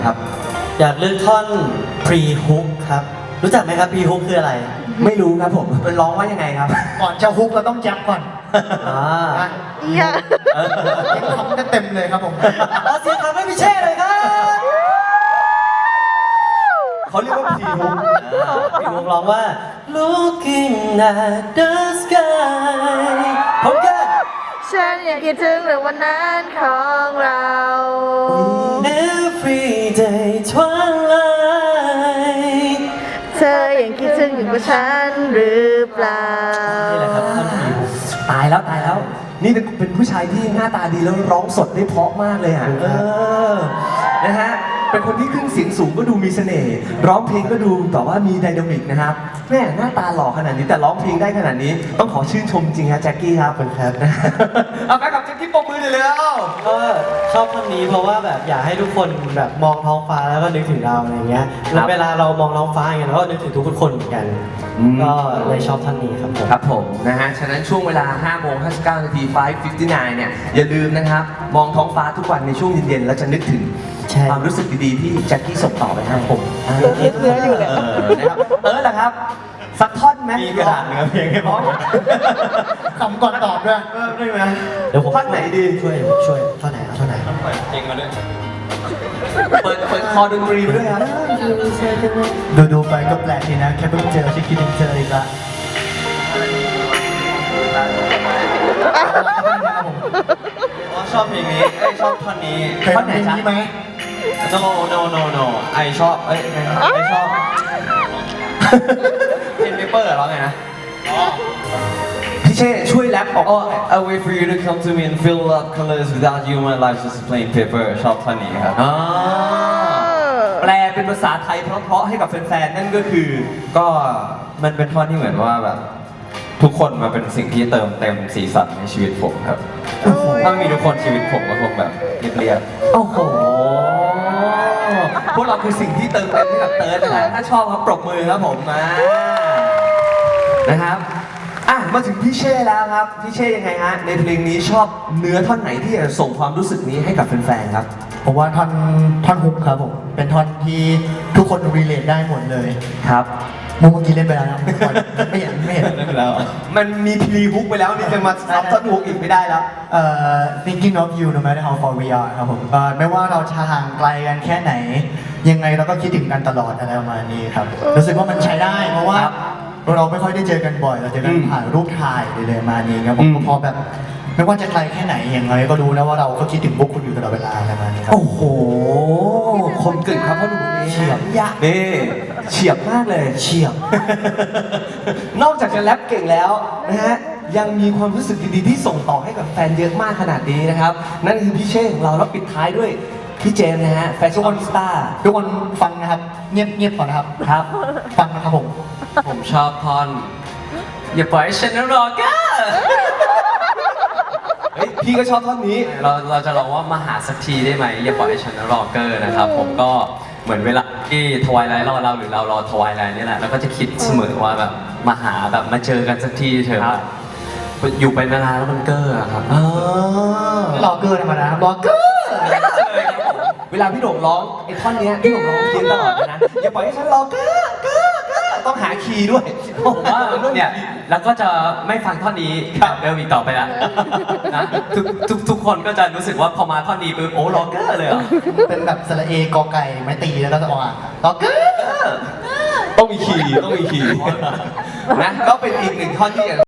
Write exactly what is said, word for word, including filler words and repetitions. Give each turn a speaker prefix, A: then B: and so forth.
A: ครับ
B: อยากเลือกท่อน pre hook ครับรู้จักไหมครับ pre hook คืออะไร
A: ไม่รู้ครับผมเป็นร้องว่ายังไงครับ
C: ก่อนจะฮุกเราต้องยับก่อน
B: อ่า
D: เอีย
C: ยังทำได้เต็มเลยครับผม
B: ขอเสียงคำให้พี่เช่เลยครับ
A: เขาเรียกว่าพีฮุก
B: พี่ฮุกร้องว่า looking at the sky ผมกัน
D: ฉันยังคิดถึงเรื่องวันนั้นของเรา
B: every day twilight
D: เธอยังคิดถึงอยู่กับฉันหรือเปล่า
B: นี่แหละครับท่อน pre hook
A: ตายแล้วตายแล้ว นี่เป็นผู้ชายที่หน้าตาดีแล้วร้องสดได้เพราะมากเลยอ่ะเออนะฮะเป็นคนที่ขึ้นเสียงสูงก็ดูมีเสน่ห์ร้องเพลงก็ดูแบบว่ามีไดนามิกนะครับแม่หน้าตาหล่อขนาดนี้แต่ร้องเพลงได้ขนาดนี้ต้องขอชื่นชมจริงฮะแจ็คกี้ครับเป็นครับเอาไปกับแจ็คกี้ปมมือเลยแล้ว
B: ก็ชอบท่อนนี้เพราะว่าแบบอยากให้ทุกคนแบบมองท้องฟ้าแล้วก็นึกถึงเราอะไรเงี้ยแล้วเวลาเรามองท้องฟ้าอย่างเงี้ยเราก็นึกถึงทุกๆคนเหมือนกันก็เลยชอบท่อนนี้ครับผม
A: ครับผมนะฮะฉะนั้นช่วงเวลาห้าโมงห้าสิบเก้านาทีไฟว์ฟิฟตี้ไนน์เนี่ยอย่าลืมนะครับมองท้องฟ้าทุกวันในช่วงเย็นๆแล้วจะนึกถึง
B: ใช่
A: ความรู้สึกดีๆที่แจ็คกี้ส่งต่อไปให้ผม
D: เลือกเลือกอยู่เลย
A: เออนะครับเออแหละครับสักท่อนไหม
B: มีกระดาษเนื้อเพลงให้ผม
C: คำก่อนตอบด้วย
A: เออได้ไหม
B: เดี๋ยวผม
A: ท่อนไหนดี
B: ช่วยช่วยท่อนไหนเอาท่อนไหน
A: เปิดเปิดคอดนตรีไปด้วยครับ
C: ดูดูไปก็แปลกดีนะแค่เพิ่งเจอชิคกี้พายเจออีกละ
E: ชอบเพลงนี้ไอยชอบท่อนนี้
C: เคยฟังเพลงนี้ไหม
E: no no no no ไอชอบเอ้ยไอชอบเพลงเปเปอร์ร้องไงนะ
A: พี่เช่ช่วยแรปออก
E: Oh I wait for you to come to me and fill up colors without you my life's just a plain paper ชอบท่อนนี้ครับ
A: อ่าแปลเป็นภาษาไทยเพราะๆให้กับแฟนๆนั่นก็คือ
E: ก็มันเป็นท่อนที่เหมือนว่าแบบ ทุกคนมาเป็นสิ่งที่เติมเต็มสีสันในชีวิตผมครับ ถ้าไม่มีทุกคนชีวิตผมก็คงแบบเรียบ
A: โอ้โห พวกเราคือสิ่งที่เติมเต็มให้กับเติร์ดนะฮะถ้าชอบครับปรบมือครับผมมานะครับ อ่ะมาถึงพี่เช่แล้วครับ พี่เช่ยังไงฮะ ในเพลงนี้ชอบเนื้อท่อนไหนที่จะส่งความรู้สึกนี้ให้กับแฟนๆครับ
C: ผมว่าท่อนท่อนฮุกครับผมเป็นท่อนที่ทุกคนรีเลทได้หมดเลย
A: ครับ
C: มุกเมื่อกี้เล่นไปแล้วนะไม่เห็นไม่เห็น
E: ๆนั่นแล้ว
A: มันมีพรีฮุกไปแล้วนี่จะมาซับท่อนฮุกอีกไม่ได้แล้ว
C: เอ่อ thinking of you no matter how far we are ครับผมเอ่อไม่ว่าเราจะห่างไกลกันแค่ไหน ยังไงเราก็คิดถึงกันตลอดอะไรประมาณนี้ครับ รู้สึกว่ามันใช้ได้เพราะว่า
A: ครับ
C: เราไม่ค่อยได้เจอกันบ่อย เราเจอกัน
A: อืม
C: ผ่านรูปถ่ายเลยๆมานี้ครับผม
A: อืม
C: พอแบบ ไม่ว่าจะไกลแค่ไหนยังไงก็รู้นะว่าเราก็คิดถึงพวกคุณอยู่ตลอดเวลาอะไรประมาณนี้ครับ
A: โอ้โห คมกริบครับพ่อหนุ่มคนนี้
C: เฉียบ
A: ยะนี่เฉียบมากเลย
C: เฉียบ
A: นอกจากจะแรปเก่งแล้วนะฮะ ยังมีความรู้สึกดีๆที่ส่งต่อให้กับแฟนเยอะมากขนาดนี้นะครับ นั่นคือพี่เช่ของเราแล้วปิดท้ายด้วยพี่เจมส์นะฮะแฟชั่นสตาร์
C: ทุกคนฟังนะครับ เงียบเงียบก่อนนะครับ
A: ครับ
C: ฟังนะครับผม
E: ผมชอบท่อนอย่าปล่อยให้ฉันรอก้า
A: เฮ้ยพี่ก็ชอบท่อนนี้
E: เราเราจะลองว่ามาหาสักทีได้ไหมอย่าปล่อยให้ฉันรอเกอร์นะครับ ผมก็เหมือนเวลาที่ทวายไลท์รอเราหรือเรารอทวายไลท์นี่แหละเราก็จะคิดเสมอว่าแบบมาหาแบบมาเจอกันสักทีเถอะแบบอยู่ไปนานๆแล้วมันเกอร์อะครับ
A: อ๋อ
C: รอเกอร์ธรรมดาครับรอเกอร์
A: เวลาพี่โด่งร้องไอ้ท่อนเนี้ยพี่โด่งร้องเพี้ยนตลอดเลยนะ อย่าปล่อยให้ฉันรอเก้อเก้อเก้อต้องหาคีย์ด้วย
E: ผมว่าเนี่ยแล้วก็จะไม่ฟังท่อนนี้แบบเดิมอีกต่อไปละนะทุกทุกทุกคนก็จะรู้สึกว่าพอมาท่อนนี้ปุ๊บโอ้รอเกอร์เลยเหรอ
C: เป็นแบบสระเอกอไก่ไม้ตีแล้วก็จะออกอ่ะรอเกอร์
A: ต้องมีคีย์ต้องมีคีย์นะก็เป็นอีกหนึ่งท่อนที่